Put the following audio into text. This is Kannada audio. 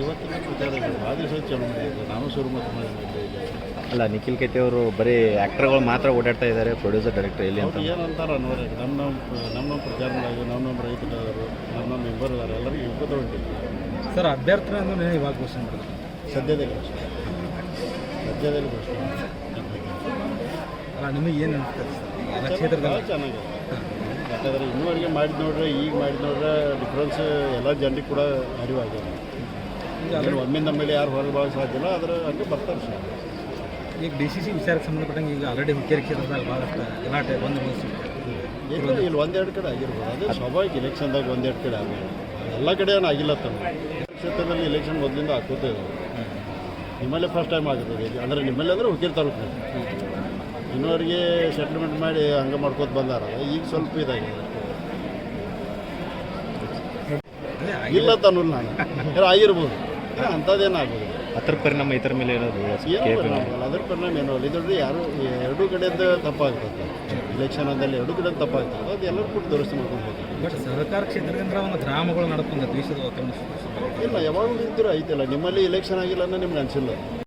ಇವತ್ತಿನ ಪ್ರಚಾರ ಇದೆ, ಭಾಳ ದಿವಸ ಚಳವಳಿ ಇದೆ. ನಾನು ಶುರು ಮಾಡಿದ್ದೆ ಈಗ. ಅಲ್ಲ, ನಿಖಿಲ್ ಕೆತ್ತಿ ಅವರು ಬರೀ ಆ್ಯಕ್ಟರ್ಗಳು ಮಾತ್ರ ಓಡಾಡ್ತಾ ಇದ್ದಾರೆ, ಪ್ರೊಡ್ಯೂಸರ್ ಡೈರೆಕ್ಟರ್ ಎಲ್ಲಿ ಅಂತ. ಅವ್ರು ಏನಂತಾರೆ ಅನ್ನೋರು ನಮ್ಮ ಪ್ರಚಾರದಾಗಿ ನಮ್ಮ ರೈತರು ನಮ್ಮ ಮೆಂಬರ್ ಇದ್ದಾರೆ, ಎಲ್ಲರಿಗೂ ಯುಗದ ಹೊಂಟಿದೆ ಸರ್. ಅಭ್ಯರ್ಥಿ ಅಂದ್ರೆ ಇವಾಗ ಘೋಷಣೆ ಮಾಡಿದ್ರು, ಸದ್ಯದಲ್ಲಿ ಘೋಷಣೆ ಅಲ್ಲ, ನಿಮಗೆ ಏನು ಅನಿಸ್ತದೆ ಸರ್ ಎಲ್ಲ ಕ್ಷೇತ್ರದಲ್ಲಿ? ಚೆನ್ನಾಗಿದೆ. ಯಾಕಂದರೆ ಇನ್ನೂವರೆಗೆ ಮಾಡಿದ ನೋಡ್ರೆ ಈಗ ಮಾಡಿದ ನೋಡ್ರೆ ಡಿಫ್ರೆನ್ಸ್ ಎಲ್ಲ ಜನರಿಗೆ ಕೂಡ ಅರಿವಾಗಿದೆ. ಒಮ್ಮಿಂದ ಮೇಲೆ ಯಾರು ಹೊರಗೆ ಭಾಳ ಸಾಧ್ಯ ಇಲ್ಲ, ಅದರ ಹಂಗೆ ಬರ್ತಾರೆ ಸರ್. ಈಗ ಡಿ ಸಿ ವಿಚಾರಕ್ಕೆ ಸಂಬಂಧಪಟ್ಟಂಗೆ ಈಗ ಆಲ್ರೆಡಿ ಹುಕ್ಕೇರಿ ಕ್ಷೇತ್ರದಾಗ ಭಾಳಷ್ಟು ಗಲಾಟೆ ಬಂದು ಇಲ್ಲಿ ಒಂದೆರಡು ಕಡೆ ಆಗಿರ್ಬೋದು, ಅದೇ ಸ್ವಾಭಾವಿಕ ಇಲೆಕ್ಷನ್ದಾಗ ಒಂದೆರಡು ಕಡೆ ಆಗಿದೆ. ಎಲ್ಲ ಕಡೆ ಏನು ಆಗಿಲ್ಲ ತಮ್ಮ ಕ್ಷೇತ್ರದಲ್ಲಿ ಇಲೆಕ್ಷನ್ ಮೊದಲಿಂದ ಹಾಕೋತಾ ಇದ್ದಾರೆ. ನಿಮ್ಮಲ್ಲೇ ಫಸ್ಟ್ ಟೈಮ್ ಆಗುತ್ತದೆ ಅಂದರೆ ನಿಮ್ಮಲ್ಲೇ ಅಂದರೆ ಹುಕ್ಕೇರಿ ತಾಲೂಕಿನಲ್ಲಿ ಇನ್ನೂವರೆಗೆ ಸೆಟ್ಲ್ಮೆಂಟ್ ಮಾಡಿ ಹಂಗೆ ಮಾಡ್ಕೋತ ಬಂದಾರ. ಈಗ ಸ್ವಲ್ಪ ಇದಾಗಿದೆ ಇಲ್ಲ ತನ್ನಲ್ಲ ನಾನು ಆಗಿರ್ಬೋದು, ಅಂಥದ್ದೇನಾಗ್ಬೋದು. ಅದ್ರ ಪರಿಣಾಮ ಇತರ ಮೇಲೆ ಏನಾದ್ರು ಅದ್ರ ಪರಿಣಾಮ ಏನೋ ಇದ್ರಲ್ಲಿ ಯಾರು ಎರಡೂ ಕಡೆಯಿಂದ ತಪ್ಪಾಗ್ತದೆ. ಇಲೆಕ್ಷನ್ ಅಂದಲ್ಲಿ ಎರಡೂ ಕಡೆ ತಪ್ಪಾಗ್ತದೆ, ಅದು ಎಲ್ಲರೂ ಕೂಡ ದುರಸ್ತಿ ಮಾಡ್ಕೊಂಡು ಹೋಗ್ತಾರೆ. ಬಟ್ ಸಹಕಾರ ಕ್ಷೇತ್ರದಿಂದ ಒಂದು ಗ್ರಾಮಗಳು ನಡ್ಕೊಂಡು ದೇಶದ ವಾತಾವರಣ ಇಲ್ಲ, ಯಾವಾಗಲೂ ಇದ್ದರೂ ಐತಿಲ್ಲ. ನಿಮ್ಮಲ್ಲಿ ಇಲೆಕ್ಷನ್ ಆಗಿಲ್ಲ ಅನ್ನೋ ನಿಮ್ಗೆ ಅನಿಸಿಲ್ಲ.